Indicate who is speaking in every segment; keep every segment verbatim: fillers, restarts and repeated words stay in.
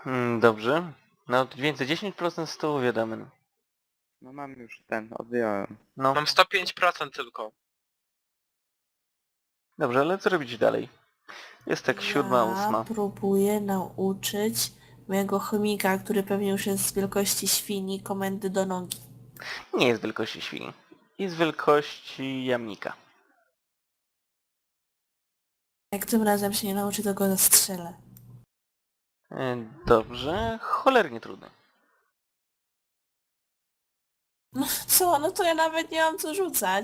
Speaker 1: Hmm, dobrze. No więcej dziesięć procent z tyłu wiadomo.
Speaker 2: No mam już ten, odjąłem.
Speaker 1: No,
Speaker 3: Mam sto pięć procent tylko.
Speaker 1: dobrze, ale co robić dalej? Jest tak siódma,
Speaker 4: Ja
Speaker 1: ósma.
Speaker 4: próbuję nauczyć mojego chomika, który pewnie już jest z wielkości świni, komendy do nogi.
Speaker 1: Nie jest wielkości świni. Jest wielkości jamnika.
Speaker 4: Jak tym razem się nie nauczy, to go zastrzelę.
Speaker 1: E, Dobrze, cholernie trudny.
Speaker 4: No co, no to ja nawet nie mam co rzucać.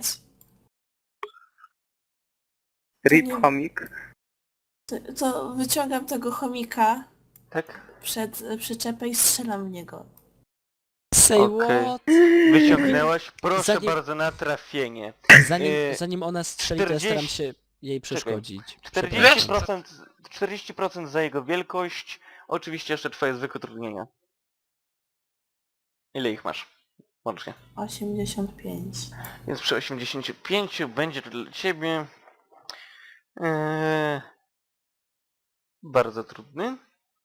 Speaker 2: Rip
Speaker 4: nie-
Speaker 2: chomik.
Speaker 4: To, to wyciągam tego chomika
Speaker 1: Tak?
Speaker 4: przed e, przyczepę i strzelam w niego.
Speaker 5: Say
Speaker 1: Okej.
Speaker 5: what?
Speaker 1: Wyciągnęłaś, proszę
Speaker 5: Zanim-
Speaker 1: bardzo, na trafienie.
Speaker 5: Zanim,
Speaker 1: Yy,
Speaker 5: zanim ona strzeli, to ja staram
Speaker 1: czterdzieści
Speaker 5: się jej przeszkodzić.
Speaker 1: czterdzieści procent, czterdzieści procent za jego wielkość. Oczywiście jeszcze twoje zwykłe utrudnienia. Ile ich masz? Łącznie.
Speaker 4: osiemdziesiąt pięć.
Speaker 1: Więc przy osiemdziesięciu pięciu będzie to dla ciebie eee, bardzo trudny.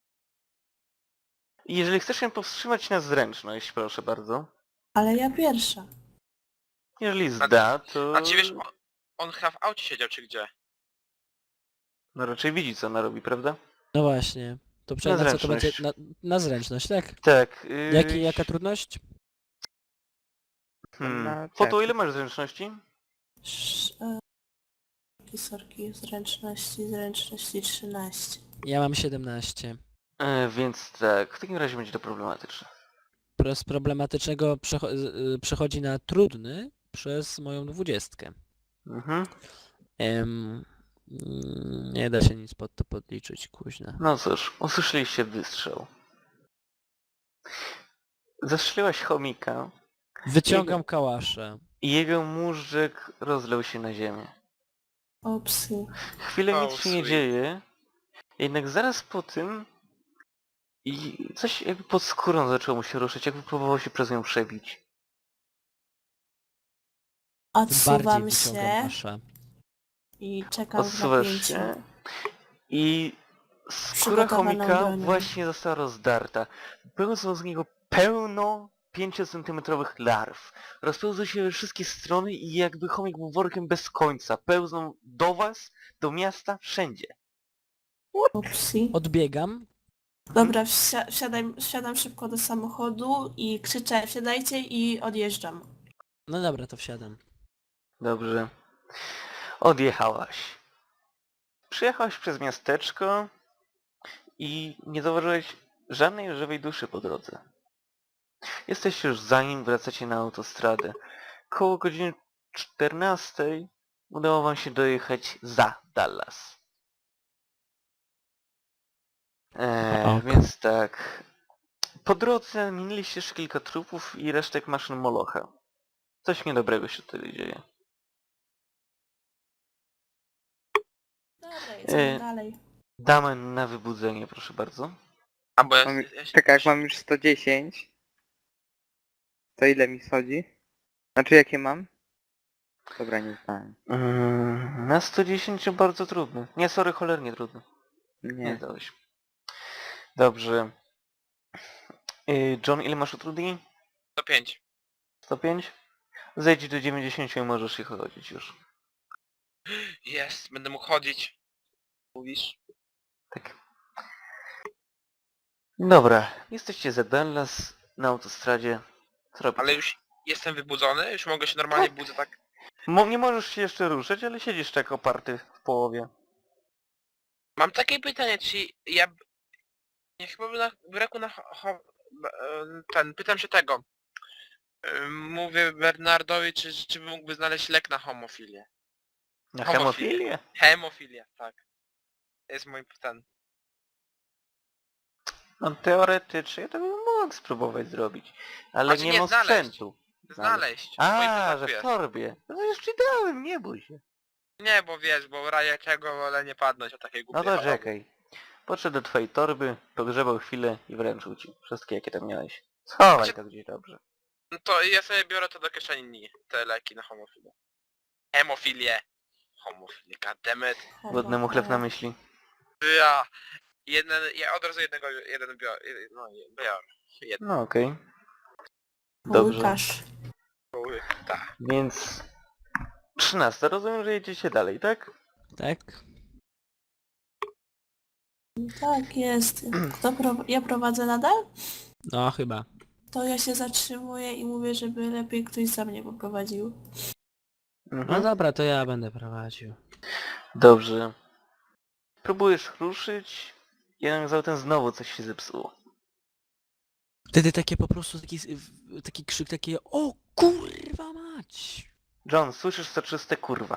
Speaker 1: I jeżeli chcesz się powstrzymać na zręczność, proszę bardzo.
Speaker 4: Ale ja pierwsza.
Speaker 1: Jeżeli zda, to...
Speaker 3: A ci wiesz, on, on chyba w aucie siedział czy gdzie?
Speaker 1: No raczej widzi, co ona robi, prawda?
Speaker 5: No właśnie. To
Speaker 1: Na
Speaker 5: przynajmniej na co to będzie?
Speaker 1: zręczność.
Speaker 5: Na, na zręczność, tak?
Speaker 1: Tak. Yy,
Speaker 5: Jaki, jaka trudność?
Speaker 1: Hmm.
Speaker 2: Na
Speaker 1: Foto,
Speaker 2: tak.
Speaker 1: ile masz zręczności?
Speaker 4: Sz, e, sorki, sorki, zręczności, zręczności trzynaście.
Speaker 5: Ja mam siedemnaście.
Speaker 1: E, więc tak, w takim razie będzie to problematyczne.
Speaker 5: Pro- Z problematycznego przecho- z- y, przechodzi na trudny przez moją dwudziestkę.
Speaker 1: Mhm.
Speaker 5: Em, mm, nie da się nic pod to podliczyć, kuźna.
Speaker 1: No cóż, usłyszeliście wystrzał. Zastrzeliłaś chomika
Speaker 5: Wyciągam kałaszę.
Speaker 1: i jego móżdżek rozlał się na ziemię.
Speaker 4: Opsy.
Speaker 1: Chwilę
Speaker 3: Oh,
Speaker 1: nic się nie
Speaker 3: sweet.
Speaker 1: dzieje, jednak zaraz po tym i coś jakby pod skórą zaczęło mu się ruszyć, jakby próbował się przez nią przebić.
Speaker 5: Tym
Speaker 4: Odsuwam
Speaker 5: bardziej wyciągam
Speaker 4: się
Speaker 5: kaszę.
Speaker 4: i czekam w
Speaker 1: Odsuwasz
Speaker 4: napięciu.
Speaker 1: się i skóra
Speaker 4: Przygotowaną
Speaker 1: chomika
Speaker 4: bronią.
Speaker 1: właśnie została rozdarta. Pełzło z niego pełno pięciocentymetrowych larw. Rozpełzły się we wszystkie strony i jakby chomik był workiem bez końca. Pełzną do was, do miasta, wszędzie.
Speaker 4: Upsi.
Speaker 5: Odbiegam.
Speaker 4: Dobra, wsia wsiadaj, wsiadam szybko do samochodu i krzyczę wsiadajcie i odjeżdżam.
Speaker 5: No dobra, to wsiadam.
Speaker 1: Dobrze. Odjechałaś. Przyjechałaś przez miasteczko i nie zauważyłeś żadnej żywej duszy po drodze. Jesteś już zanim wracacie na autostradę. Koło godziny czternastej udało wam się dojechać za Dallas. Eee,
Speaker 5: Ok.
Speaker 1: więc tak. Po drodze minęliście jeszcze kilka trupów i resztek maszyn Molocha. Coś niedobrego się tutaj dzieje.
Speaker 4: Dobra, jedziemy
Speaker 1: E,
Speaker 4: dalej.
Speaker 1: Damy na wybudzenie, proszę bardzo.
Speaker 3: A bo ja...
Speaker 2: Mam,
Speaker 3: ja się,
Speaker 2: czekaj, jak mam już sto dziesięć. To ile mi schodzi? Znaczy jakie mam? Dobra, nie znałem.
Speaker 1: Mm, na sto dziesięć bardzo trudny. Nie, sorry, cholernie trudny. Nie
Speaker 2: Nie.
Speaker 1: dałeś. Dobrze. Y, John, ile masz utrudnień?
Speaker 3: sto pięć.
Speaker 1: sto pięć? Zejdź do dziewięćdziesięciu i możesz ich chodzić już.
Speaker 3: Jest, będę mógł chodzić. Mówisz?
Speaker 1: Tak. Dobra, jesteście za Dallas na autostradzie. Co robicie?
Speaker 3: Ale już jestem wybudzony? Już mogę się normalnie
Speaker 1: Tak.
Speaker 3: budzę tak?
Speaker 1: Mo nie możesz się jeszcze ruszyć, ale siedzisz tak oparty w połowie.
Speaker 3: Mam takie pytanie, czy ja... b- Nie chyba by na braku na... Ho, ho, b- e, ten, pytam się tego. E, Mówię Bernardowi, czy, czy mógłby znaleźć lek na homofilię.
Speaker 1: Na
Speaker 3: Homofilię.
Speaker 1: hemofilię?
Speaker 3: Hemofilię, tak. To jest mój ten.
Speaker 1: No teoretycznie to bym mógł spróbować zrobić. Ale
Speaker 3: Znaczy
Speaker 1: nie
Speaker 3: nie
Speaker 1: mam
Speaker 3: znaleźć.
Speaker 1: sprzętu.
Speaker 3: Znaleźć. w moim
Speaker 1: A, że
Speaker 3: zestawie.
Speaker 1: w torbie. No już ci dałem, nie bój się.
Speaker 3: Nie, bo wiesz, bo raje czego wolę nie padnąć o takiej
Speaker 1: No
Speaker 3: głupiej
Speaker 1: to
Speaker 3: choroby.
Speaker 1: czekaj. Podszedł do twojej torby, pogrzebał chwilę i wręczył ci. Wszystkie jakie tam miałeś. Schowaj
Speaker 3: Znaczy-
Speaker 1: to gdzieś dobrze.
Speaker 3: No to ja sobie biorę to do kieszeni, te leki na homofilię. Hemofilię. Homofilię, goddammit.
Speaker 1: Głodnemu chleb na myśli.
Speaker 3: Ja. Jeden, ja od razu jednego, jeden biorę, no biorę. Jeden.
Speaker 1: No okej. Dobrze.
Speaker 4: Łukasz.
Speaker 3: Tak.
Speaker 1: Więc... trzynaste. Rozumiem, że jedziecie dalej, tak?
Speaker 5: Tak?
Speaker 4: Tak jest. Kto pro... Ja prowadzę nadal?
Speaker 5: No chyba.
Speaker 4: To ja się zatrzymuję i mówię, żeby lepiej ktoś za mnie poprowadził.
Speaker 5: No
Speaker 1: Mhm.
Speaker 5: dobra, to ja będę prowadził.
Speaker 1: Dobrze. Próbujesz ruszyć, jednak zatem znowu coś się zepsuło.
Speaker 5: Wtedy takie po prostu taki, taki krzyk, takie o kurwa mać!
Speaker 1: John, słyszysz soczyste kurwa.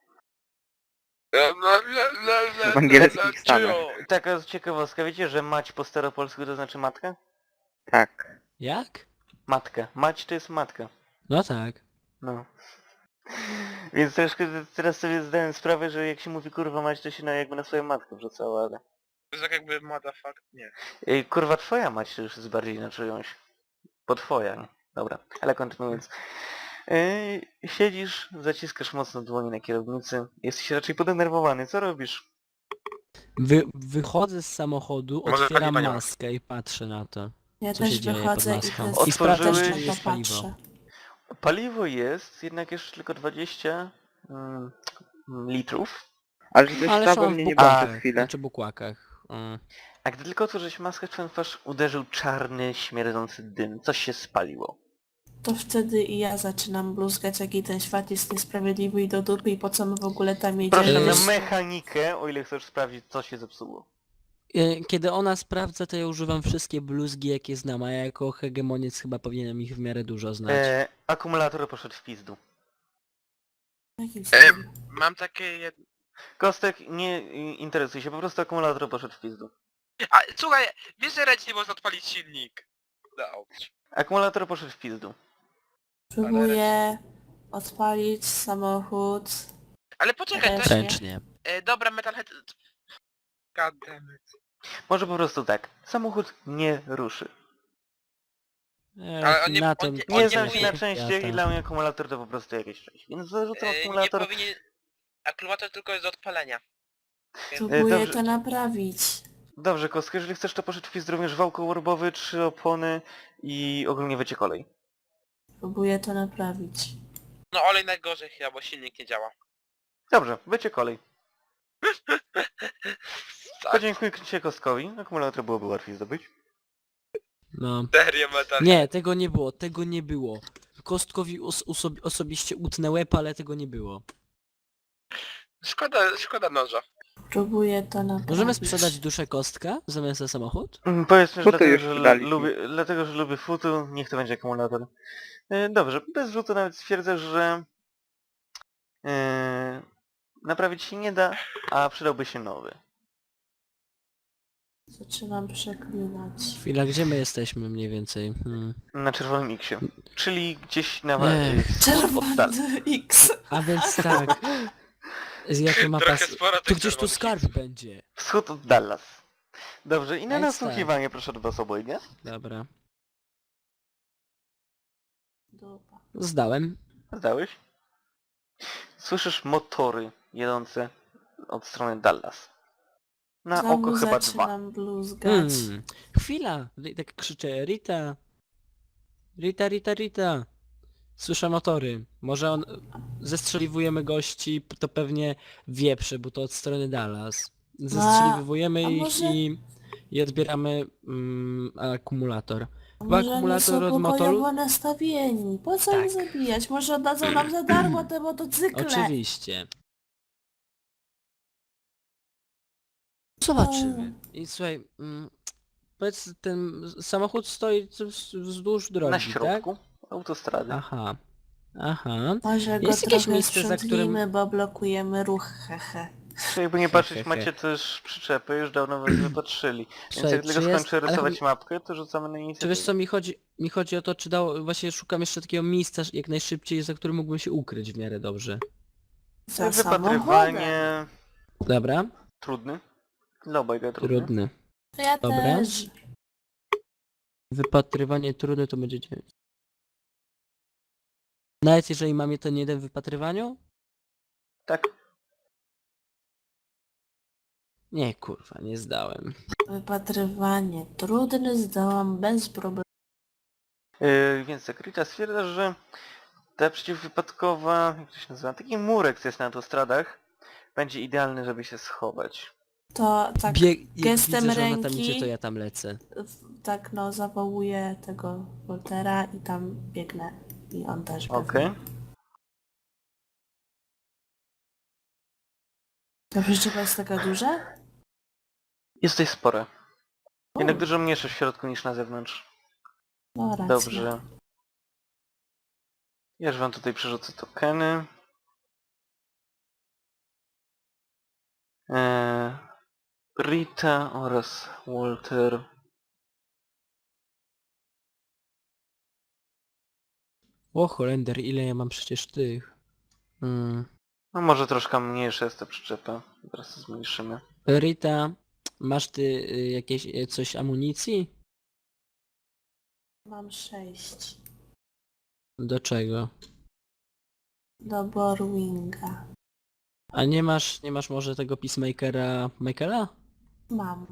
Speaker 2: W angielskich stanach.
Speaker 1: Taka ciekawostka, wiecie, że mać po staropolsku to znaczy matka?
Speaker 2: Tak.
Speaker 5: Jak?
Speaker 1: Matka. Mać to jest matka.
Speaker 5: No tak.
Speaker 1: No. Więc troszkę teraz sobie zdałem sprawę, że jak się mówi kurwa mać, to się na, jakby na swoją matkę wrzucało, ale...
Speaker 3: To jest tak jakby motherfuck, nie.
Speaker 1: Ej, kurwa twoja mać to już jest bardziej na czyjąś. Bo twoja, nie? Dobra, ale kontynuując. Yy, siedzisz, zaciskasz mocno dłonie na kierownicy, jesteś raczej podenerwowany, co robisz?
Speaker 5: Wy, wychodzę z samochodu,
Speaker 3: Może
Speaker 5: otwieram
Speaker 3: paliwa nie ma.
Speaker 5: maskę i patrzę na to.
Speaker 4: Ja
Speaker 5: Co
Speaker 4: też
Speaker 5: się dzieje pod
Speaker 4: wychodzę i
Speaker 5: maską?
Speaker 4: też,
Speaker 5: I sprawdzam,
Speaker 4: też
Speaker 1: Otworzyłeś-
Speaker 5: czy
Speaker 4: na to
Speaker 5: jest paliwo.
Speaker 4: patrzę.
Speaker 1: Paliwo jest, jednak jeszcze tylko dwadzieścia mm, litrów.
Speaker 2: Ale że coś
Speaker 5: Ale
Speaker 2: stało
Speaker 5: są w
Speaker 2: mnie nie było
Speaker 1: bukłakach,
Speaker 2: przez chwilę.
Speaker 5: Znaczy bukłakach. Mm.
Speaker 1: A gdy tylko otworzyłeś maskę, w twoją twarz uderzył czarny, śmierdzący dym. Coś się spaliło.
Speaker 4: To wtedy i ja zaczynam bluzgać, jaki ten świat jest niesprawiedliwy i do dupy i po co my w ogóle tam jedziemy.
Speaker 1: Proszę na
Speaker 5: Jest-
Speaker 1: mechanikę, o ile chcesz sprawdzić, co się zepsuło.
Speaker 5: E, Kiedy ona sprawdza, to ja używam wszystkie bluzgi, jakie znam, a ja jako hegemoniec chyba powinienem ich w miarę dużo znać.
Speaker 1: E, akumulator poszedł w pizdu.
Speaker 4: Jakim
Speaker 3: Em,
Speaker 4: cudem?
Speaker 3: mam takie jed...
Speaker 1: Kostek, nie i- interesuj się, po prostu akumulator poszedł w pizdu.
Speaker 3: A słuchaj, wiesz, że ręcznie można odpalić silnik. No,
Speaker 1: Akumulator poszedł w pizdu.
Speaker 4: Próbuję odpalić samochód.
Speaker 3: ale poczekaj, to...
Speaker 4: Też.
Speaker 5: Ręcznie.
Speaker 3: E, dobra, Metalhead... God damn it.
Speaker 1: Może po prostu tak. Samochód nie ruszy.
Speaker 5: E,
Speaker 3: Ale on nie-
Speaker 5: na
Speaker 3: on
Speaker 5: tym
Speaker 3: nie-
Speaker 1: Nie
Speaker 3: on
Speaker 1: znam się na
Speaker 3: powinien-
Speaker 1: częściach i dla mnie akumulator to po prostu jakieś część. Więc zarzucam
Speaker 3: E, nie
Speaker 1: akumulator.
Speaker 3: powinien... Akumulator tylko jest do odpalenia.
Speaker 4: Próbuję
Speaker 1: dobrze.
Speaker 4: to naprawić.
Speaker 1: Dobrze, Kostka, jeżeli chcesz, to poszedł w pizd również wał kołorbowy, trzy opony i ogólnie wycie kolej.
Speaker 4: Próbuję to naprawić.
Speaker 3: No olej najgorzej chyba, bo silnik nie działa.
Speaker 1: Dobrze, wycie kolej.
Speaker 3: Tak,
Speaker 1: Podziękuję się Kostkowi. Akumulator byłoby łatwiej zdobyć.
Speaker 5: No.
Speaker 3: serio Metalhead.
Speaker 5: Nie, tego nie było, tego nie było. Kostkowi os oso osobiście utnę łeb, ale tego nie było.
Speaker 3: Szkoda, szkoda noża.
Speaker 4: Próbuję to naprawić.
Speaker 5: Możemy sprzedać duszę Kostka zamiast za samochód?
Speaker 1: Mm, Powiedzmy, że
Speaker 2: Futu
Speaker 1: dlatego,
Speaker 2: już
Speaker 1: że,
Speaker 2: sprzedaliśmy.
Speaker 1: lubię, dlatego, że lubię futu, niech to będzie akumulator. E, Dobrze, bez rzutu nawet stwierdzę, że e, naprawić się nie da, a przydałby się nowy.
Speaker 4: Zaczynam przeklinać.
Speaker 5: Chwila, gdzie my jesteśmy mniej więcej? Hmm.
Speaker 1: Na czerwonym X-ie. Czyli gdzieś na
Speaker 5: Ech.
Speaker 1: wschód od Dal.
Speaker 4: Czerwony X.
Speaker 5: A więc tak. Jaka mapa...
Speaker 3: Trochę
Speaker 5: s-
Speaker 3: sporo
Speaker 5: Tu
Speaker 3: tych
Speaker 5: gdzieś tu
Speaker 3: czerwonych
Speaker 5: skarb
Speaker 3: X-ów.
Speaker 5: będzie.
Speaker 1: Wschód od Dallas. Dobrze, i na
Speaker 5: A jest
Speaker 1: nasłuchiwanie proszę od was obojga.
Speaker 5: Dobra.
Speaker 4: Dupa.
Speaker 5: Zdałem.
Speaker 1: Zdałeś? Słyszysz motory jedące od strony Dallas. Na oko
Speaker 4: Znowu
Speaker 1: chyba dwa.
Speaker 4: zaczynam bluzgać.
Speaker 5: Hmm. Chwila. Ri- Tak krzyczę. Rita. Rita, Rita, Rita. Słyszę motory. Może on... Zestrzeliwujemy gości, to pewnie wieprze, bo to od strony Dallas. Zestrzeliwujemy
Speaker 4: a
Speaker 5: ich
Speaker 4: może-
Speaker 5: i, i odbieramy mm, akumulator.
Speaker 4: A
Speaker 5: Chyba
Speaker 4: może nie
Speaker 5: akumulator
Speaker 4: są
Speaker 5: od motoru?
Speaker 4: pokojowo nastawieni? Po co
Speaker 5: Tak.
Speaker 4: ich zabijać? Może oddadzą nam za darmo te motocykle.
Speaker 5: Oczywiście. Zobaczymy. I słuchaj, mm, powiedz, ten samochód stoi wz- wzdłuż drogi,
Speaker 1: Na
Speaker 5: tak?
Speaker 1: środku autostrady.
Speaker 5: Aha. Aha.
Speaker 4: Może go
Speaker 5: Jest jakieś
Speaker 4: trochę
Speaker 5: miejsce, za
Speaker 4: sprzątnijmy,
Speaker 5: którym-
Speaker 4: bo blokujemy ruch, hehe.
Speaker 1: Czy jakby nie
Speaker 5: He,
Speaker 1: patrzeć,
Speaker 5: he, he.
Speaker 1: macie też przyczepy, już dawno was wypatrzyli. Więc
Speaker 5: Słuchaj,
Speaker 1: jak tylko
Speaker 5: czy jest-
Speaker 1: skończę
Speaker 5: ale
Speaker 1: rysować
Speaker 5: chodzi-
Speaker 1: mapkę, to rzucamy na
Speaker 5: Czy
Speaker 1: inicjatywę.
Speaker 5: wiesz co mi chodzi? Mi chodzi o to, czy dało... Właśnie szukam jeszcze takiego miejsca jak najszybciej, za którym mógłbym się ukryć w miarę dobrze.
Speaker 4: Za samochodem.
Speaker 1: Wypatrywanie...
Speaker 5: Dobra?
Speaker 1: Trudny. Dla obojga trudny.
Speaker 5: Trudny.
Speaker 4: To ja
Speaker 5: Dobra.
Speaker 4: też.
Speaker 5: Wypatrywanie trudne to będzie dziewięć. Nawet jeżeli mam ten jeden w wypatrywaniu?
Speaker 1: Tak.
Speaker 5: Nie, kurwa, nie zdałem.
Speaker 4: Wypatrywanie. Trudny zdałam bez problemu.
Speaker 1: Yy, więc tak, Rita stwierdza, że ta przeciwwypadkowa, jak to się nazywa, taki murek, co jest na autostradach, będzie idealny, żeby się schować.
Speaker 4: To tak
Speaker 5: Bieg, jak
Speaker 4: gestem
Speaker 5: widzę, że ona tam
Speaker 4: ręki-
Speaker 5: idzie, to ja tam lecę.
Speaker 4: w- tak no zawołuję tego Woltera i tam biegnę. I on też pewnie.
Speaker 1: Okej.
Speaker 4: Ta przyczepa jest taka duża?
Speaker 1: Jest tutaj spore.
Speaker 4: O,
Speaker 1: Jednak dużo mniejsze w środku niż na zewnątrz.
Speaker 4: no racja.
Speaker 1: Dobrze. Ja już wam tutaj przerzucę tokeny. Eee, Rita oraz Walter.
Speaker 5: O, Holender, ile ja mam przecież tych? Hmm.
Speaker 1: No może troszkę mniejsza jest ta przyczepa. Teraz to zmniejszymy.
Speaker 5: Rita, masz ty y, jakieś y, coś amunicji?
Speaker 4: Mam sześć.
Speaker 5: Do czego?
Speaker 4: Do Borwinga.
Speaker 5: A nie masz, nie masz może tego Peacemakera Michaela?
Speaker 4: Mam.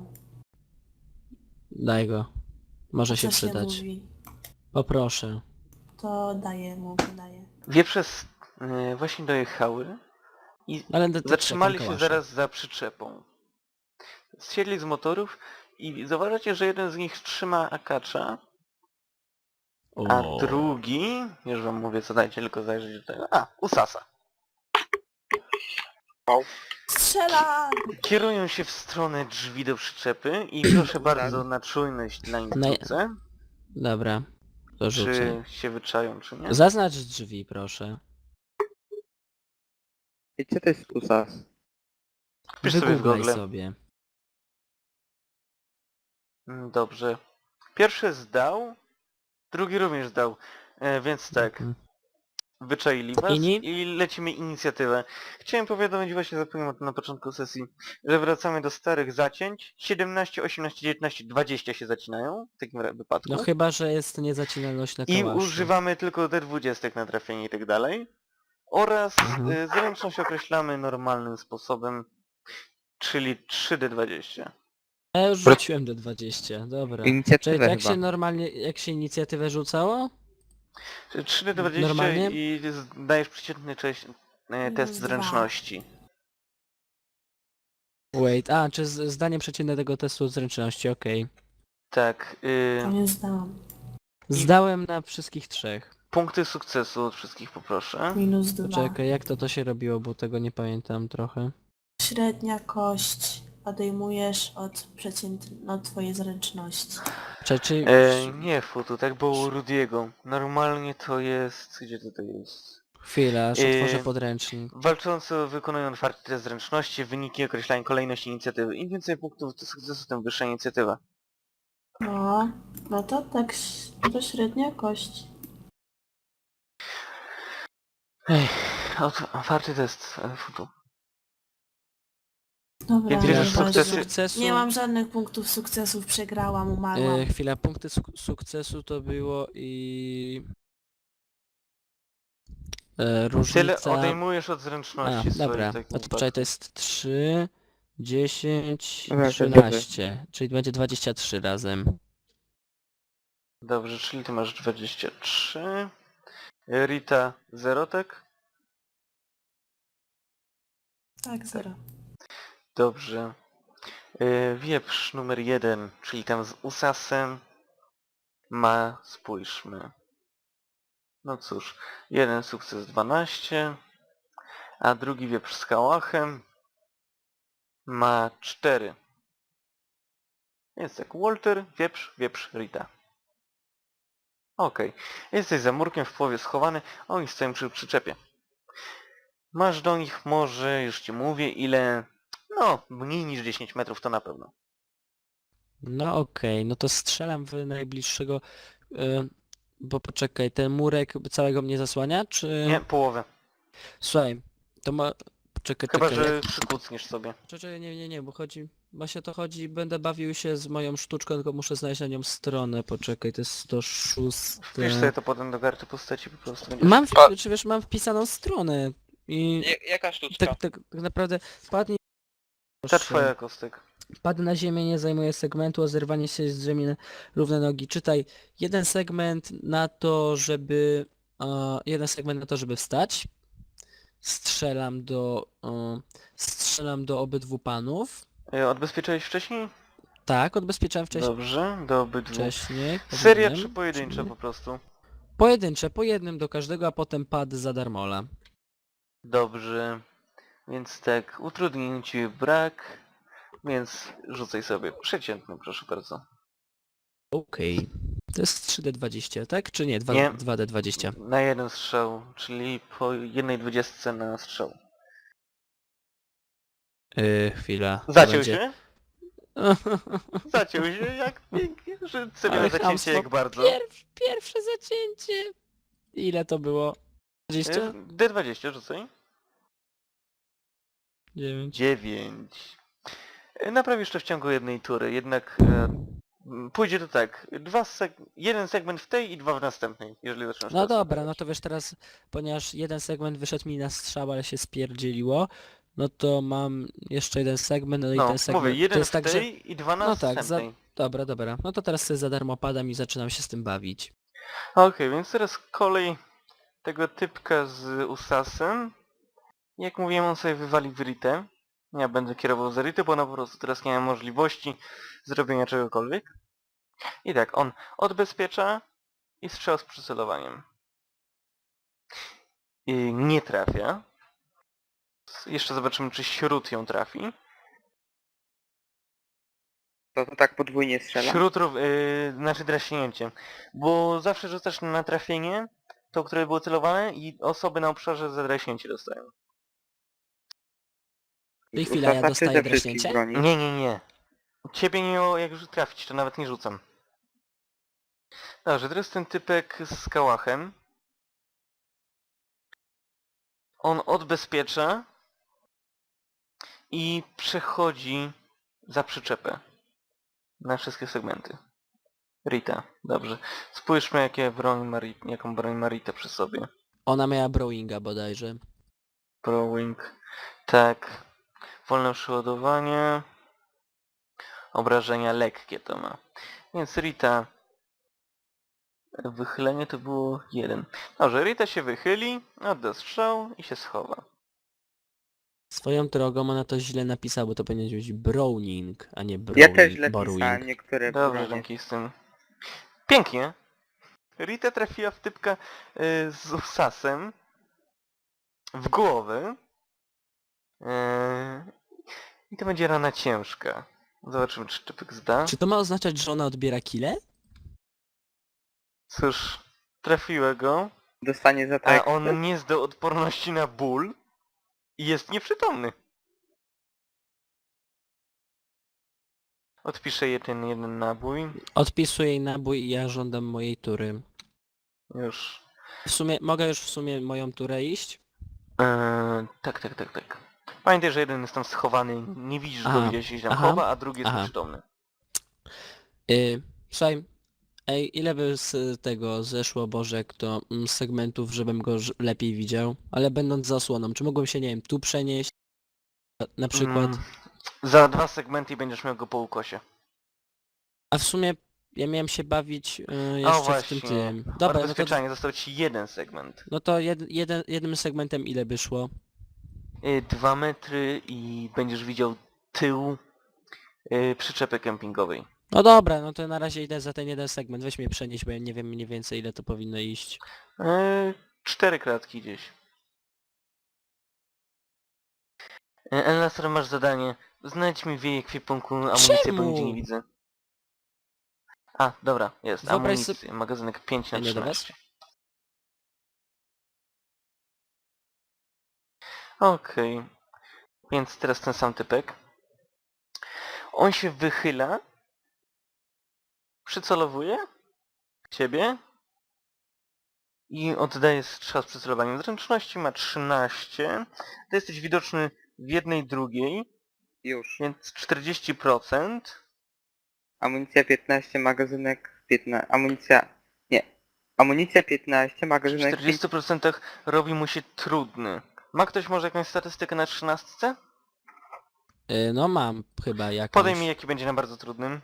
Speaker 5: Daj go. Może się
Speaker 4: Co się
Speaker 5: przydać.
Speaker 4: mówi?
Speaker 5: Poproszę.
Speaker 4: To daję mu, daję.
Speaker 1: Wieprze s- e, właśnie dojechały i
Speaker 5: Ale to- to
Speaker 1: zatrzymali
Speaker 5: czekam,
Speaker 1: się
Speaker 5: kałasze.
Speaker 1: zaraz za przyczepą. Zsiedli z motorów i zauważacie, że jeden z nich trzyma akacza, a
Speaker 5: O.
Speaker 1: drugi, już wam mówię co, dajcie tylko zajrzeć do tego, a, Usasa.
Speaker 4: Strzela!
Speaker 1: Kierują się w stronę drzwi do przyczepy i proszę bardzo na czujność na instrukcję,
Speaker 5: Dobra. To rzucę.
Speaker 1: czy się wyczają, czy nie.
Speaker 5: Zaznacz drzwi, proszę.
Speaker 2: I co to jest usas?
Speaker 1: Wpisz sobie w
Speaker 5: Wygooglaj
Speaker 1: Google.
Speaker 5: sobie.
Speaker 1: Mm, Dobrze. Pierwszy zdał, drugi również zdał, e, więc tak.
Speaker 5: Mhm.
Speaker 1: Wyczaili was
Speaker 5: Inni?
Speaker 1: i lecimy inicjatywę. Chciałem powiadomić, właśnie zapomniałem o tym na początku sesji, że wracamy do starych zacięć. siedemnaście, osiemnaście, dziewiętnaście, dwadzieścia się zacinają w takim ra- wypadku.
Speaker 5: No chyba, że jest niezacinalność na
Speaker 1: I
Speaker 5: kałaszu.
Speaker 1: używamy tylko D dwadzieścia na trafienie i tak dalej. Oraz
Speaker 5: Mhm.
Speaker 1: y, zręczność określamy normalnym sposobem, czyli trzy D dwadzieścia.
Speaker 5: Ja już rzuciłem do dwadzieścia, dobra. Czyli
Speaker 2: Inicjatywę
Speaker 5: jak
Speaker 2: chyba.
Speaker 5: się normalnie, jak się inicjatywę rzucało?
Speaker 1: Czyli trzy D dwadzieścia
Speaker 5: Normalnie?
Speaker 1: i dajesz przeciętny cześć, e, test
Speaker 4: Minus dwa.
Speaker 1: zręczności.
Speaker 5: Wait, a, czy z, zdanie przeciętne tego testu zręczności, okej.
Speaker 1: Tak. Y,
Speaker 4: To nie zdałam.
Speaker 5: Zdałem na wszystkich trzech.
Speaker 1: punkty sukcesu od wszystkich poproszę.
Speaker 4: Minus dwa.
Speaker 5: Czekaj, jak to to się robiło, bo tego nie pamiętam trochę.
Speaker 4: Średnia kość. Odejmujesz od przeciętnej, no twojej zręczności.
Speaker 5: Czy, czy...
Speaker 1: E, nie futu, tak było u Rudiego. Normalnie to jest... Gdzie to, to jest?
Speaker 5: Chwila, aż
Speaker 1: Yy,
Speaker 5: otworzę podręcznik.
Speaker 1: Walczący wykonują otwarty test zręczności, wyniki określają kolejność inicjatywy. Im więcej punktów do sukcesu, tym wyższa inicjatywa.
Speaker 4: No, no to tak, ś- to średnia kość.
Speaker 1: Ej, ot- otwarty test e, futu.
Speaker 4: Dobra,
Speaker 1: Więc
Speaker 5: Ja
Speaker 1: bierzesz
Speaker 4: nieważne.
Speaker 1: sukcesy-
Speaker 5: sukcesu...
Speaker 4: Nie mam żadnych punktów sukcesów, przegrałam, umarłam.
Speaker 5: E, chwila, punkty suk sukcesu to było i... E, różnica...
Speaker 1: Tyle odejmujesz od
Speaker 5: A,
Speaker 1: zręczności
Speaker 5: dobra,
Speaker 1: swojej.
Speaker 5: a to poczekaj, to jest trzy, dziesięć,
Speaker 2: Dobra, to
Speaker 5: trzynaście, czyli będzie dwadzieścia trzy razem.
Speaker 1: Dobrze, czyli ty masz dwadzieścia trzy. Rita zero, tak?
Speaker 4: Tak, zero.
Speaker 1: Dobrze. E, Wieprz numer jeden, czyli tam z Usasem ma, spójrzmy. No cóż, jeden sukces dwanaście, a drugi wieprz z Kałachem ma cztery. Więc tak, Walter, wieprz, wieprz, Rita. Okej, jesteś za murkiem w połowie schowany, oni stoją przy przyczepie. Masz do nich może, już ci mówię, ile... No, mniej niż dziesięć metrów to na pewno.
Speaker 5: No okej, no to strzelam w najbliższego, e, bo poczekaj, ten murek całego mnie zasłania, czy...
Speaker 1: Nie, połowę.
Speaker 5: Słuchaj, to ma... Poczekaj,
Speaker 1: Chyba,
Speaker 5: czekaj,
Speaker 1: że
Speaker 5: jak...
Speaker 1: przykucniesz sobie.
Speaker 5: Czekaj, nie, nie, nie, bo chodzi... Właśnie to chodzi, będę bawił się z moją sztuczką, tylko muszę znaleźć na nią stronę, poczekaj, to jest sto sześć...
Speaker 1: Wpisz sobie to potem do karty postaci, po prostu będziesz...
Speaker 5: Mam, w...
Speaker 3: A-
Speaker 5: czy wiesz, mam wpisaną stronę i
Speaker 3: Ja- Jaka sztuczka?
Speaker 5: tak, tak, tak naprawdę wpadnij
Speaker 1: Ta
Speaker 5: Proszę.
Speaker 1: twoja, Kostek.
Speaker 5: Padł na ziemię, nie zajmuje segmentu, o zerwanie się z ziemi na równe nogi. Czytaj, jeden segment na to, żeby... E, jeden segment na to, żeby wstać. Strzelam do... E, strzelam do obydwu panów.
Speaker 1: E, Odbezpieczyłeś wcześniej?
Speaker 5: Tak, odbezpieczałem wcześniej.
Speaker 1: Dobrze, do obydwu.
Speaker 5: Wcześniej.
Speaker 1: Seria
Speaker 5: powinienem.
Speaker 1: czy pojedyncza
Speaker 5: Czyli-
Speaker 1: po prostu?
Speaker 5: Pojedyncze, po jednym do każdego, a potem pad za darmola.
Speaker 1: Dobrze. Więc tak, utrudnień ci brak, więc rzucaj sobie przeciętny, proszę bardzo.
Speaker 5: Okej. To jest trzy D dwadzieścia, tak? Czy nie?
Speaker 1: Nie.
Speaker 5: dwa D dwadzieścia.
Speaker 1: Na jeden strzał, czyli po jednej dwudziestce na strzał.
Speaker 5: Yy, chwila. to
Speaker 1: Zaciął
Speaker 5: będzie-
Speaker 1: się? Zaciął się, jak pięknie, że sobie
Speaker 5: Ale
Speaker 1: na zacięcie
Speaker 5: chamstwo.
Speaker 1: jak bardzo.
Speaker 5: Pierw, pierwsze zacięcie. Ile to było? dwadzieścia?
Speaker 1: E, D dwadzieścia rzucaj.
Speaker 5: dziewięć.
Speaker 1: dziewięć. E, Naprawisz to w ciągu jednej tury, jednak e, m, pójdzie to tak. Dwa seg jeden segment w tej i dwa w następnej, jeżeli zaczynasz
Speaker 5: No
Speaker 1: teraz
Speaker 5: dobra,
Speaker 1: naprawiać.
Speaker 5: no to wiesz teraz, ponieważ jeden segment wyszedł mi na strzał, ale się spierdzieliło, no to mam jeszcze jeden segment, no i
Speaker 1: No,
Speaker 5: ten segment...
Speaker 1: mówię, jeden
Speaker 5: to jest
Speaker 1: w
Speaker 5: tak, że...
Speaker 1: tej i dwa na
Speaker 5: No tak, za...
Speaker 1: następnej.
Speaker 5: dobra, dobra. No to teraz sobie za darmo padam i zaczynam się z tym bawić.
Speaker 1: Okej, więc teraz kolej tego typka z Usasem. Jak mówiłem, on sobie wywali w Ritę. Ja będę kierował za Ritę, bo ona po prostu teraz nie ma możliwości zrobienia czegokolwiek. I tak, on odbezpiecza i strzał z przycelowaniem. I nie trafia. Jeszcze zobaczymy, czy śród ją trafi.
Speaker 2: To to tak podwójnie strzela?
Speaker 1: Śród, rów- yy, znaczy draśnięcie. Bo zawsze rzucasz na trafienie, to które było celowane i osoby na obszarze za draśnięcie dostają.
Speaker 5: I chwila, ja
Speaker 2: Usasa czy
Speaker 5: dostaję
Speaker 2: ze wszystkich
Speaker 5: draśnięcie?
Speaker 2: broni?
Speaker 1: Nie, nie, nie. Ciebie nie miało jak już trafić, to nawet nie rzucam. Dobrze, teraz ten typek z kałachem. On odbezpiecza i przechodzi za przyczepę. Na wszystkie segmenty. Rita, dobrze. Spójrzmy jakie broń ma, Ri- jaką broń ma Rita przy sobie.
Speaker 5: Ona miała Browinga bodajże.
Speaker 1: Browing. Tak. Wolne przeładowanie. Obrażenia lekkie to ma. Więc Rita... Wychylenie to było jeden. Dobrze, Rita się wychyli, odda strzał i się schowa.
Speaker 5: Swoją drogą ona to źle napisała, bo to powinien być Browning, a nie Browing.
Speaker 2: Ja też źle
Speaker 5: Borrowing.
Speaker 2: pisałem niektóre
Speaker 1: Dobrze,
Speaker 2: bronie.
Speaker 1: dzięki z tym. Pięknie. Rita trafiła w typka y, z Usasem w głowę. Y, I to będzie rana ciężka. Zobaczymy, czy typek zda.
Speaker 5: Czy to ma oznaczać, że ona odbiera kile?
Speaker 1: Cóż, trafiła go,
Speaker 2: Dostanie za
Speaker 1: a
Speaker 2: tak.
Speaker 1: on nie zdał odporności na ból i jest nieprzytomny. Odpiszę je ten jeden nabój.
Speaker 5: Odpisuję jej nabój i ja żądam mojej tury.
Speaker 1: Już.
Speaker 5: W sumie, mogę już w sumie moją turę iść?
Speaker 1: Eee, tak, tak, tak, tak. Pamiętaj, że jeden jest tam schowany, nie widzisz go,
Speaker 5: Aha,
Speaker 1: gdzieś się tam
Speaker 5: aha,
Speaker 1: chowa, a drugi jest
Speaker 5: aha.
Speaker 1: nieprzytomny.
Speaker 5: Yy, słuchaj, ej, ile by z tego zeszło, Bożek, to mm, z segmentów, żebym go ż- lepiej widział? Ale będąc za osłoną, czy mogłem się, nie wiem, tu przenieść? Na przykład?
Speaker 1: Mm, za dwa segmenty i będziesz miał go po ukosie.
Speaker 5: A w sumie ja miałem się bawić yy,
Speaker 1: O
Speaker 5: jeszcze w
Speaker 1: właśnie,
Speaker 5: tym tym. Dobra, no to,
Speaker 1: odbezpieczanie, został ci jeden segment.
Speaker 5: no to jed, jeden, jednym segmentem ile by szło?
Speaker 1: Yy, dwa metry i będziesz widział tył yy, przyczepy kempingowej.
Speaker 5: No dobra, no to na razie idę za ten jeden segment. Weź mnie przenieść, bo ja nie wiem mniej więcej ile to powinno iść.
Speaker 1: Yy, cztery kratki gdzieś. Yy, Elnasar, masz zadanie. Znajdź mi w jej ekwipunku amunicję, bo
Speaker 5: Czemu?
Speaker 1: nigdzie nie widzę. A, dobra, jest.
Speaker 5: Wyobraź
Speaker 1: Amunicja. Magazynek pięć na
Speaker 5: A nie do was?
Speaker 1: trzynaście. Okej. Więc teraz ten sam typek. On się wychyla. Przycelowuje. Ciebie. I oddaje strzał z przycelowaniem. Zręczności ma trzynaście. Ty jesteś widoczny w jednej drugiej.
Speaker 2: Już.
Speaker 1: Więc czterdzieści procent.
Speaker 2: Amunicja piętnaście, magazynek piętnaście. Amunicja... Nie. Amunicja piętnaście,
Speaker 1: W
Speaker 2: magazynek pięć.
Speaker 1: czterdziestu procentach robi mu się trudny. Ma ktoś może jakąś statystykę na trzynastce?
Speaker 5: Y, no mam chyba jakąś.
Speaker 1: Podaj mi jaki będzie na bardzo trudnym.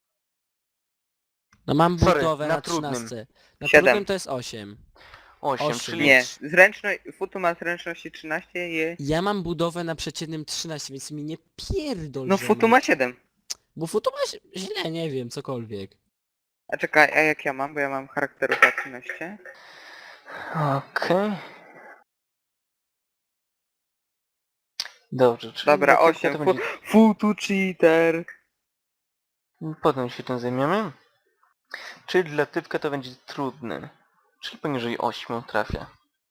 Speaker 5: No mam
Speaker 1: Sorry,
Speaker 5: budowę
Speaker 1: na
Speaker 5: na
Speaker 1: trudnym.
Speaker 5: trzynastce. Na
Speaker 2: Siedem.
Speaker 5: trudnym to jest osiem.
Speaker 1: osiem,
Speaker 5: Osiem.
Speaker 1: czyli...
Speaker 2: Nie, zręczność, Futu ma zręczności trzynaście i...
Speaker 5: Ja mam budowę na przeciętnym trzynaście, więc mi nie pierdol,
Speaker 2: No
Speaker 5: że
Speaker 2: Futu
Speaker 5: mi-
Speaker 2: ma siedem.
Speaker 5: Bo Futu ma ź- źle, nie wiem, cokolwiek.
Speaker 2: A czekaj, a jak ja mam? Bo ja mam charakteru za trzynaście.
Speaker 1: Okej. Dobrze, czyli...
Speaker 2: Dobra,
Speaker 1: dla typka
Speaker 2: osiem.
Speaker 1: to
Speaker 2: Fu
Speaker 1: będzie...
Speaker 2: Futu cheater.
Speaker 1: Potem się tym zajmiemy. Czyli dla typka to będzie trudny. Czyli poniżej ośmiu trafia.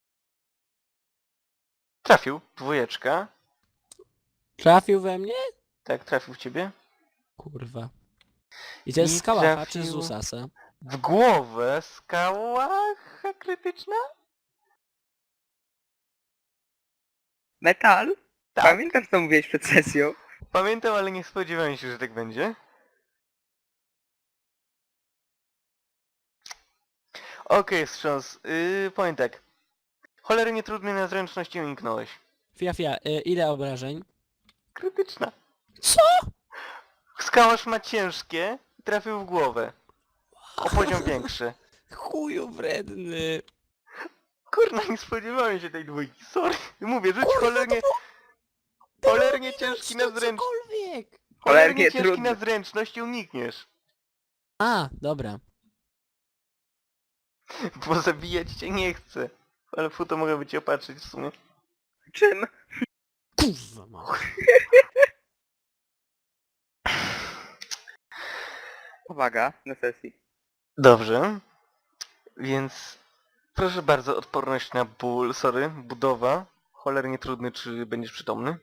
Speaker 1: Trafił, dwójeczka.
Speaker 5: Trafił we mnie?
Speaker 1: Tak, trafił w ciebie.
Speaker 5: Kurwa. I to jest
Speaker 1: I
Speaker 5: z Kałacha
Speaker 1: trafił-
Speaker 5: czy z Usasa?
Speaker 1: W głowę skała krytyczna?
Speaker 2: Metal?
Speaker 1: Tak.
Speaker 2: Pamiętasz co mówiłeś przed sesją?
Speaker 1: Pamiętam, ale nie spodziewałem się, że tak będzie. Okej, wstrząs. Yy, powiem tak. Cholernie trudny na zręczności uniknąłeś.
Speaker 5: Fia, fia, y, ile obrażeń?
Speaker 1: Krytyczna.
Speaker 5: Co?
Speaker 1: Skałasz ma ciężkie i trafił w głowę. O poziom większy.
Speaker 5: Chuju wredny.
Speaker 1: Kurna, nie spodziewałem się tej dwójki, sorry. Mówię, rzuć cholernie... Cholernie ciężki na
Speaker 5: To
Speaker 1: zręczność.
Speaker 5: cokolwiek.
Speaker 1: Cholernie
Speaker 2: Cholernie
Speaker 1: ciężki
Speaker 2: trudny.
Speaker 1: na zręczność i unikniesz.
Speaker 5: A, dobra.
Speaker 1: Bo zabijać cię nie chcę. Ale futo mogę by cię opatrzyć w sumie.
Speaker 2: Czym?
Speaker 5: Kurwa ma.
Speaker 2: Uwaga, na sesji.
Speaker 1: Dobrze. Więc... Proszę bardzo, odporność na ból, sorry, budowa. Cholernie trudny, czy będziesz przytomny?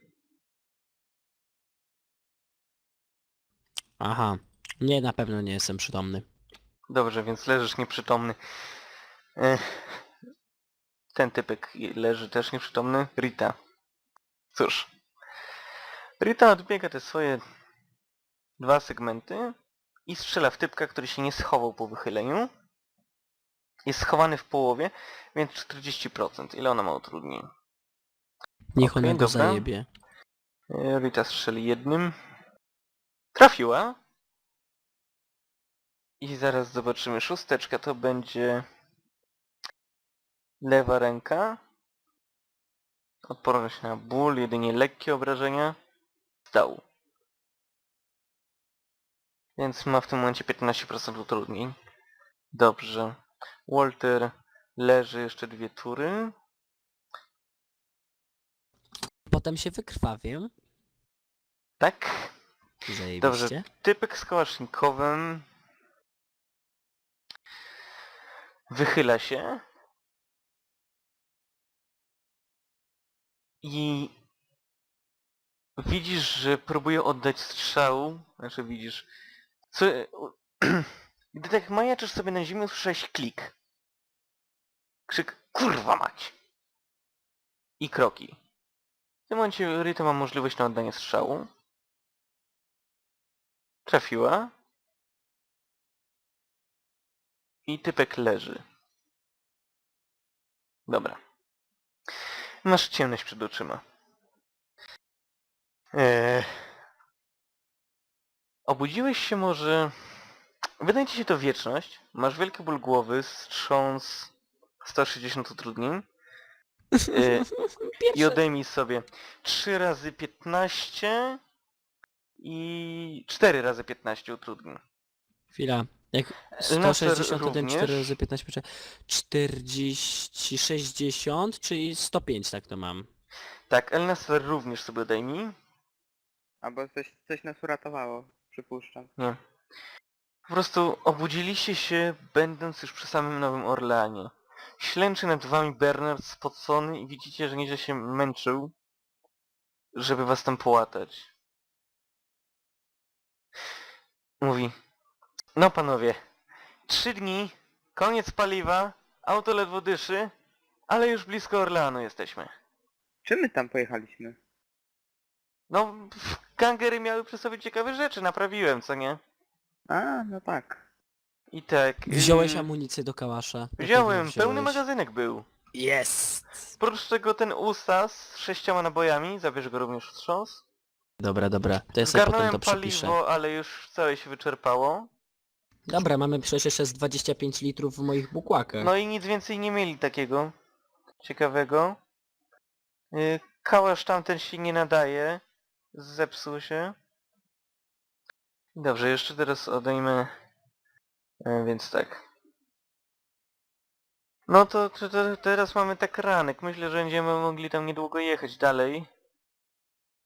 Speaker 5: Aha. Nie, na pewno nie jestem przytomny.
Speaker 1: Dobrze, więc leżysz nieprzytomny. Ech. Ten typek leży też nieprzytomny. Rita. Cóż. Rita odbiega te swoje dwa segmenty i strzela w typka, który się nie schował po wychyleniu. Jest schowany w połowie, więc czterdzieści procent. Ile ona ma utrudnień?
Speaker 5: Niech
Speaker 1: Okej,
Speaker 5: ona go
Speaker 1: dobra.
Speaker 5: zajebie.
Speaker 1: E, Rita strzeli jednym. Trafiła. I zaraz zobaczymy. Szósteczka to będzie lewa ręka. Odporność na ból, jedynie lekkie obrażenia. Stał. Więc ma w tym momencie piętnaście procent utrudnień. Dobrze. Walter leży jeszcze dwie tury.
Speaker 5: Potem się wykrwawię.
Speaker 1: Tak.
Speaker 5: Zajebiście.
Speaker 1: Dobrze. Typek z kałasznikowym wychyla się i widzisz, że próbuje oddać strzał. Znaczy widzisz... Co... Gdy tak majaczysz sobie na ziemi, usłyszałeś klik. Krzyk kurwa mać! I kroki. W tym momencie Rita ma możliwość na oddanie strzału. Trafiła. I typek leży. Dobra. Masz ciemność przed oczyma. Eee... Obudziłeś się może... Wydaje ci się to wieczność. Masz wielki ból głowy, wstrząs sto sześćdziesiąt utrudnień. Eee... I
Speaker 5: Pierwsze...
Speaker 1: odejmij sobie trzy razy piętnaście i cztery razy piętnaście utrudnień.
Speaker 5: Chwila. Jak
Speaker 1: Elnaser
Speaker 5: sto sześćdziesiąt,
Speaker 1: również.
Speaker 5: cztery razy piętnaście, poczekaj. czterdzieści, sześćdziesiąt, czyli sto pięć tak to mam.
Speaker 1: Tak, Elnaser również sobie odejmij.
Speaker 2: Albo coś, coś nas uratowało, przypuszczam.
Speaker 1: Nie. Po prostu obudziliście się, będąc już przy samym Nowym Orleanie. Ślęczy nad wami Bernard spocony i widzicie, że nieźle się męczył, żeby was tam połatać. Mówi, no panowie, trzy dni, koniec paliwa, auto ledwo dyszy, ale już blisko Orleanu jesteśmy.
Speaker 2: Czym my tam pojechaliśmy?
Speaker 1: No, pff, gangery miały przy sobie ciekawe rzeczy, naprawiłem, co nie?
Speaker 2: A, no tak.
Speaker 1: I tak...
Speaker 5: Wziąłeś
Speaker 1: yy,
Speaker 5: amunicję do kałasza. Na pewno
Speaker 1: Wziąłem,
Speaker 5: wziąłeś.
Speaker 1: pełny magazynek był.
Speaker 5: Jest!
Speaker 1: Oprócz tego ten Usas z sześcioma nabojami, zabierz go również wstrząs.
Speaker 5: Dobra, dobra, to ja sobie potem
Speaker 1: Zgarnąłem
Speaker 5: to przepiszę.
Speaker 1: paliwo, ale już całe się wyczerpało.
Speaker 5: Dobra, mamy przecież jeszcze z dwadzieścia pięć litrów w moich bukłakach.
Speaker 1: No i nic więcej nie mieli takiego ciekawego. Yy, Kałasz tamten się nie nadaje. Zepsuł się. Dobrze, jeszcze teraz odejmę. E, więc tak. No to, to, to teraz mamy tak ranek. Myślę, że będziemy mogli tam niedługo jechać dalej.